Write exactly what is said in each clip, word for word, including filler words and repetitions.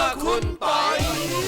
คุณปอย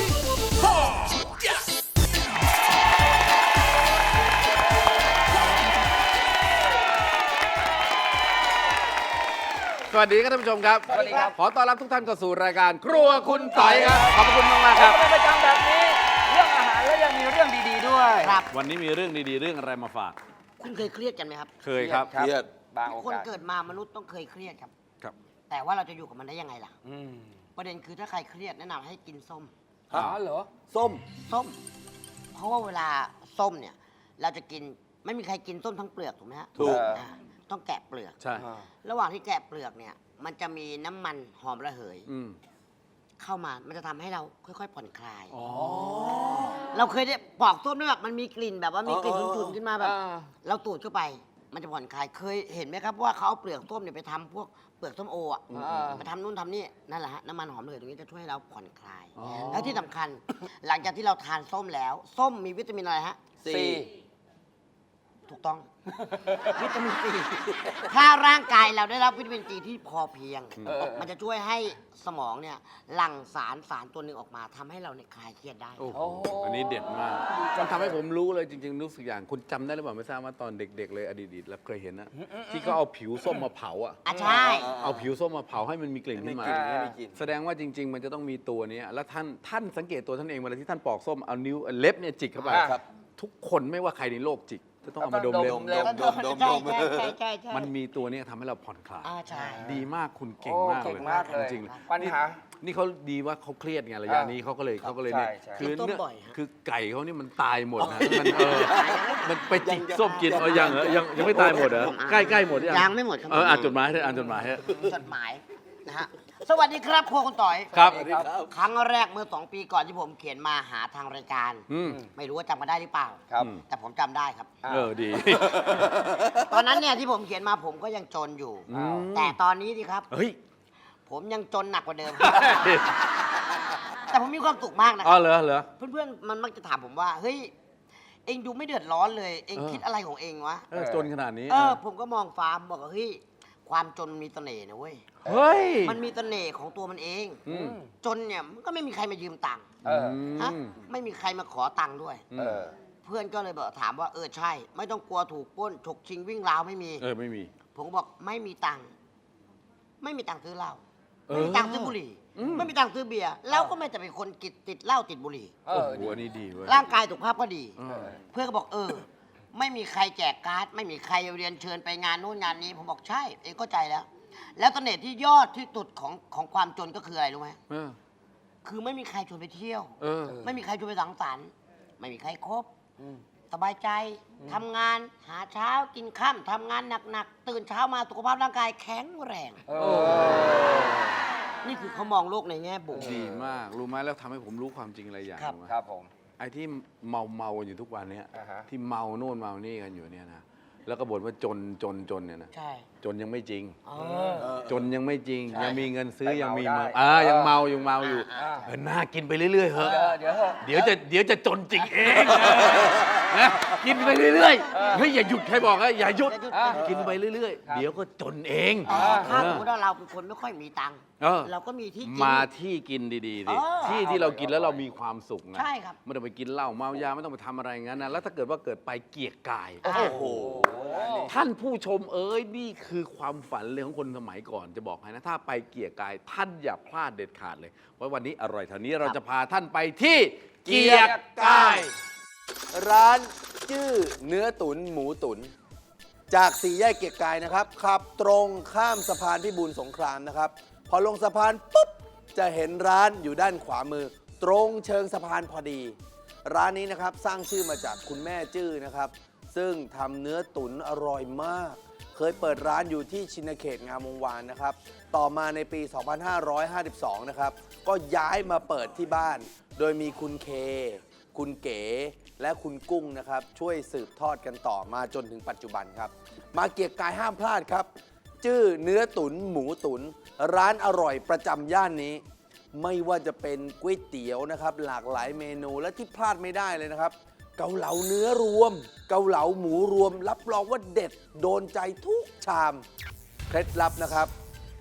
สวัสดีครับท่านผู้ชมครับสวัสดีครับขอต้อนรับทุกท่านเข้าสู่รายการครัวคุณต่อยครับขอบคุณมากมากครับเป็นประจำแบบนี้เรื่องอาหารแล้วยังมีเรื่องดีๆด้วยครับวันนี้มีเรื่องดีๆเรื่องอะไรมาฝากคุณเคยเครียดกันไหมครับเคยครับเครียดบางโอคนกาสเกิดมามนุษย์ต้องเคยเครียดครับครับแต่ว่าเราจะอยู่กับมันได้ยังไงล่ะอืมประเด็นคือถ้าใครเครียดแนะนำให้กินส้มอ๋อเหรอส้มส้ม เพราะว่าเวลาส้มเนี่ย เราจะกินไม่มีใครกินส้มทั้งเปลือกถูกไหมฮะถูกอ่าต้องแกะเปลือกใช่ระหว่างที่แกะเปลือกเนี่ย มันจะมีน้ำมันหอมระเหยอืมเข้ามา มันจะทำให้เราค่อยๆผ่อนคลายอ๋อเราเคยได้ปอกส้มด้วยแบบมันมีกลิ่นแบบว่ามีกลิ่นอ๋อฉุนๆขึ้นมาแบบอ่าเราตูดเข้าไป มันจะผ่อนคลาย เคยเห็นไหมครับว่าเขาเอาเปลือกส้มเนี่ยไปทำพวกเปลือกส้มโออ่ะอ่าไปทำนู่นทำนี่นั่นแหละฮะน้ำมันหอมระเหยตรงนี้จะช่วยให้เราผ่อนคลายอ๋อแล้วที่สำคัญ หลังจากที่เราทานส้มแล้ว ส้มมีวิตามินอะไรฮะสี่ถูกต้อง วิตามินซีถ้าร่างกายเราได้รับวิตามินซีที่พอเพียงเออมันจะช่วยให้สมองเนี่ยหลั่งสารสารตัวหนึ่งออกมาทำให้เราเนี่ยคลายเครียดได้โอ้โหอันนี้เด็ดมากมันทำให้ผมรู้เลยจริงๆรู้สึกอย่างคุณจำได้หรือเปล่าไม่ทราบว่าตอนเด็กๆเลยอดีตๆแล้วเคยเห็นนะที่เขาเอาผิวส้มมาเผาอ่ะอ่ะใช่เอาผิวส้มมาเผาให้มันมีกลิ่นขึ้นมาไม่มีกลิ่นไม่มีกลิ่นแสดงว่าจริง ๆ มันจะต้องมีตัวนี้แล้วท่านท่านสังเกตตัวท่านเองเวลาที่ท่านปอกส้มเอานิ้วเล็บเนี่ยจิกเข้าไปครับทุกคนไม่ว่าใครในโลกจิกจะต้องเอามาดมเล็บดมเล็บดมดมใช่ดมใช่ใช่ใช่ใช่มันมีตัวเนี้ยทำให้เราผ่อนคลายอ่าใช่ดีมากคุณเก่งโอ้มากเก่เลงยมากเลยจริงปัญหาๆนี่เขาดีว่าเขาเครียดไงระยะอ่านี้นี้เขาก็เลยครับเขาก็เลยเนี่ยใช่ใช่คือกินส้มเนื้อบ่อยฮะคือไก่เขานี่มันตายหมดนะมันเออมันไปจิกส้มกินเออยังเหรอยังยังไม่ตายหมดเหรอใกล้ใกล้หมดยังยังไม่หมดครับเอออ่านจดหมายให้อ่านจดหมายให้จดหมายนะฮะสวัสดีครับครัวคุณต่อยครับครั้งแรกเมื่อสองปีก่อนที่ผมเขียนมาหาทางรายการอืมไม่รู้ว่าจำกันได้หรือเปล่าครับแต่ผมจำได้ครับเออดีตอนนั้นเนี่ยที่ผมเขียนมาผมก็ยังจนอยู่อืมแต่ตอนนี้ดิครับเฮ้ยผมยังจนหนักกว่าเดิม แต่ผมมีความสุขมากนะคอ๋อรับเหรอเหรอเพื่อนๆมันมักจะถามผมว่าเฮ้ยเองดูไม่เดือดร้อนเลย เองเออคิดอะไรของเองวะเออจนขนาดนี้เออผมก็มองฟ้าบอกว่าเฮ้ยความจนมีเสน่ห์นะเว้ยเฮ้ยมันมีเสน่ห์ของตัวมันเองอืมจนเนี่ยมันก็ไม่มีใครมายืมตังค์เออฮะไม่มีใครมาขอตังค์ด้วยอืมเออเพื่อนก็เลยบอกถามว่าเออใช่ ไม่ต้องกลัวถูกปล้นฉกชิงวิ่งราวไม่มีเออไม่มีผมก็บอกไม่มีตังค์ไม่มีตังค์ซื้อเหล้าเออไม่มีตังค์ซื้อบุหรี่อืมไม่มีตังค์ซื้อเบียร์แล้วก็ไม่จะเป็นคนกิดติดเหล้าติดบุหรี่เอโอ้อโหอันนี้ดีเว้ยร่างกายสุขภาพก็ดีเออเพื่อนก็บอกเออ ไม่มีใครแจกการ์ดไม่มีใครเรียนเชิญไปงานนู่นงานนี้ ผมบอกใช่ เองเข้าใจแล้ว แล้วเสน่ห์ที่ยอดที่สุดของของความจนก็คืออะไรรู้ไหมเออคือไม่มีใครชวนไปเที่ยวเออไม่มีใครชวนไปสังสรรค์ไม่มีใครคบอืมสบายใจทำงานหาเช้ากินค่ำทำงานหนักๆตื่นเช้ามาสุขภาพร่างกายแข็งแรงเออนี่คือเขามองโลกในแง่บวกดีมาก รู้ไหมแล้วทำให้ผมรู้ความจริงอะไรอย่างครับรู้ไหมครับผมไอ้ที่เมาเมาๆอยู่ทุกวันเนี้ยอ่าฮะที่เมาโน่นเมานี่กันอยู่เนี่ยนะแล้วก็บ่นว่าจนจนจนเนี่ยนะใช่จนยังไม่จริงเอเอออจนยังไม่จริงใช่ยังมีเงินซื้อแต่ยังมีเมาเมาได้อ่าเออยังเมายังเมาอยู่อ่าเออน่ากินไปเรื่อยๆเหเออะอเดี๋ยวเถอะเดี๋ยวจะเดี๋ยวจะจนจริงเองนะกินไปเรื่อยๆเฮ้ยอย่าหยุดใครบอกนะอย่าหยุดอย่าหยุดอ่ะกินไปเรื่อยครับๆ เดี๋ยวก็จนเองแต่ถ้าเอสอมมติว่าเราเป็นคนไม่ค่อยมีตังค์เออเราก็มีที่กินมาที่กินดีๆสิเออที่ที่เรากินแล้วเรามีความสุขนะใช่ครับไม่ต้องไปกินเหล้าเมายาไม่ต้องไปทำอะไรอย่างนั้นนะแล้วถ้าเกิดว่าเกิดไปเกียกกายโอ้โหท่านผู้ชมเอ้ยนี่คือความฝันเลยของคนสมัยก่อนจะบอกให้นะถ้าไปเกียกกายท่านอย่าพลาดเด็ดขาดเลยเพราะวันนี้อร่อยเท่านี้เราจะพาท่านไปที่เกียกกายร้านชื่อเนื้อตุ๋นหมูตุ๋นจากสี่แยกเกียรติกายนะครับขับตรงข้ามสะพานพิบูลสงครามนะครับ พอลงสะพานปุ๊บจะเห็นร้านอยู่ด้านขวามือ ตรงเชิงสะพานพอดี ร้านนี้นะครับสร้างชื่อมาจากคุณแม่จื้อนะครับ ซึ่งทำเนื้อตุ๋นอร่อยมาก เคยเปิดร้านอยู่ที่ชินเขตงามวงวานนะครับ ต่อมาในปี สองพันห้าร้อยห้าสิบสอง นะครับ ก็ย้ายมาเปิดที่บ้าน โดยมีคุณเค คุณเก๋ และคุณกุ้งนะครับ ช่วยสืบทอดกันต่อมาจนถึงปัจจุบันครับ มาเกียรติกายห้ามพลาดครับ ชื่อเนื้อตุ๋นหมูตุ๋นร้านอร่อยประจำย่านนี้ ไม่ว่าจะเป็นก๋วยเตี๋ยวนะครับ หลากหลายเมนูและที่พลาดไม่ได้เลยนะครับ เกาเหลาเนื้อรวม เกาเหลาหมูรวม รับรองว่าเด็ดโดนใจทุกชามเคล็ดลับนะครับ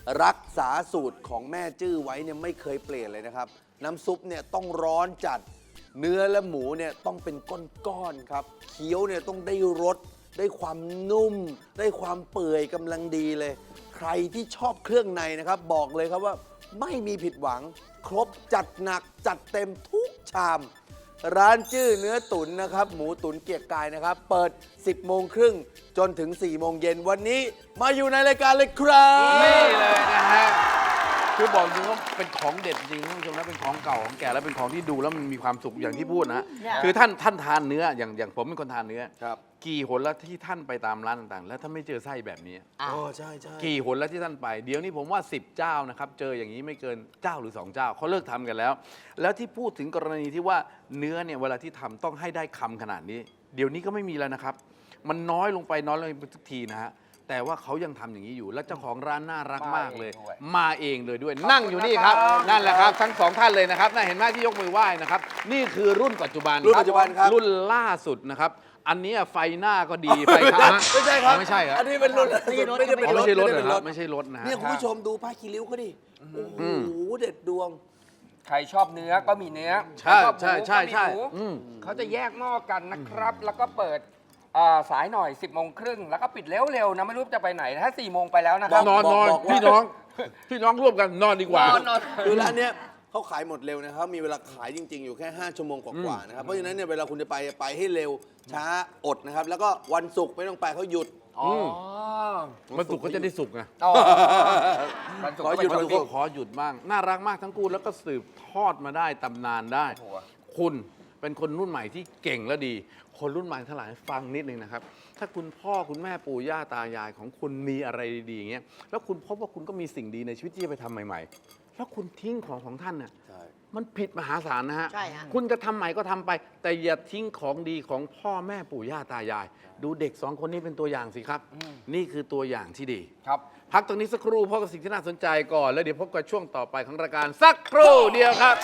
รักษาสูตรของแม่จื้อไว้เนี่ยไม่เคยเปลี่ยนเลยนะครับ น้ำซุปเนี่ยต้องร้อนจัด เนื้อและหมูเนี่ยต้องเป็นก้อนๆครับเคี้ยวเนี่ยต้องได้รสได้ความนุ่ม ได้ความเปื่อยกำลังดีเลย ใครที่ชอบเครื่องในนะครับ บอกเลยครับว่าไม่มีผิดหวัง ครบจัดหนักจัดเต็มทุกชาม ร้านจื้อเนื้อตุ๋นนะครับ หมูตุ๋นเกียรติกายนะครับ เปิด สิบโมงครึ่งจนถึง สี่โมงเย็นวันนี้มาอยู่ในรายการเลยครับนี่เลยนะฮะ คือบอกจริงว่าเป็นของเด็ดจริงท่านผู้ชมนะเป็นของเก่าของแก่แล้วเป็นของที่ดูแล้วมันมีความสุขอย่างที่พูดนะฮะเนี่ยคือท่านท่านทานเนื้ออย่างอย่างผมเป็นคนทานเนื้อครับกี่หนแล้วที่ท่านไปตามร้านต่างๆ แล้วท่านไม่เจอไส้แบบนี้อ่ะอ๋อใช่ใช่กี่หนแล้วที่ท่านไป เดี๋ยวนี้ผมว่า สิบ เจ้านะครับ เจออย่างนี้ไม่เกินเจ้าหรือ สอง เจ้าเขาเลิกทำกันแล้ว แล้วที่พูดถึงกรณีที่ว่าเนื้อเนี่ยเวลาที่ทำต้องให้ได้คำขนาดนี้ เดี๋ยวนี้ก็ไม่มีแล้วนะครับ มันน้อยลงไปน้อยลงไปทุกทีนะฮะแต่ว่าเขายังทำอย่างนี้อยู่ แล้วเจ้าของร้านน่ารักมากเลย มาเองเลยด้วย นั่งอยู่นี่ครับ นั่นแหละครับทั้งสองท่านเลยนะครับน่าเห็นไหมที่ยกมือไหว้นะครับนี่คือรุ่นปัจจุบันรุ่นปัจจุบันครับรุ่นล่าสุดนะครับ อันนี้ไฟหน้าก็ดีไฟข้างไม่ใช่ครับไม่ใช่ครับอันนี้เป็นรถไม่ได้เป็นอ๋อรไม่ถใช่รถไม่เหรได้อเป็นครรับถไม่ใช่รถนะฮะเนี่ยคุณผู้ชมดูผ้าคีริ้วเขาดิโอ้โหอืมเด็ดดวงใครชอบเนื้อก็มีเนื้อใช่ชอบหมูใช่ใช่ใช่ก็มีหมูอืมเขาจะแยกหม้อกันนะครับ แล้วก็เปิดอ่าสายหน่อย สิบโมงครึ่งแล้วก็ปิดเร็วๆนะไม่รู้จะไปไหนถ้าสี่โมงไปแล้วนะครับนอนนอนบอกว่าพี่น้อง พี่น้องร่วมกันนอนดีกว่านอนนอนคือร้านเนี้ยเขาขายหมดเร็วนะครับมีเวลาขายจริง ๆ อยู่แค่ ห้า ชั่วโมงกว่าๆนะครับเพราะฉะนั้นเนี่ยเวลาคุณจะไปไปให้เร็วช้าอดนะครับแล้วก็วันศุกร์ไม่ต้องไปเขาหยุดอ๋อมันสุกก็จะได้สุกไงอ๋อวันศุกร์ขอก็หยุเป็นดวันมันศุก็กร์ขอหยุดบ้างน่ารักมากทั้งคู่แล้วก็สืบทอดมาได้ตำนานได้โอ้โหคุณเป็นคนรุ่นใหม่ที่เก่งและดี คนรุ่นใหม่ทั้งหลายฟังนิดนึงนะครับ ถ้าคุณพ่อคุณแม่ปู่ย่าตายายของคุณมีอะไรดีๆอย่างเงี้ยแล้วคุณพบว่าคุณก็มีสิ่งดีในชีวิตที่จะไปทำใหม่ ๆ แล้วคุณทิ้งของของท่านน่ะใช่มันผิดมหาศาลนะฮะใช่ฮะคุณจะทำใหม่ก็ทำไป แต่อย่าทิ้งของดีของพ่อแม่ปู่ย่าตายาย ดูเด็กสองคนนี้เป็นตัวอย่างสิครับ นี่คือตัวอย่างที่ดีครับพักตรงนี้สักครู่พบกับสิ่งที่น่าสนใจก่อน แล้วเดี๋ยวพบกับช่วงต่อไปของรายการสักครู่เดียวครับ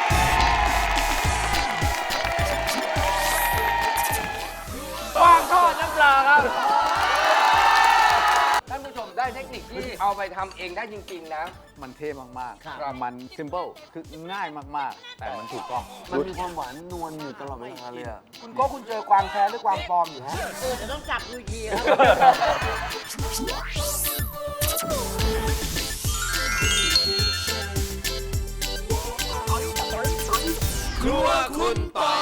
วางทอดน้ำปลาครับ ท่านผู้ชมได้เทคนิคที่เอาไปทำเองได้จริงๆนะมันเท่มากครับๆ มัน simple คือง่ายมากๆ แต่มันถูกต้องมันมีความหวานนวลอยู่ตลอดเวลาเลยอะคุณโก็คุณเจอความแท้หรือความปลอมอยู่ฮะเออจะต้องจับดูทีครับครัวคุณปอ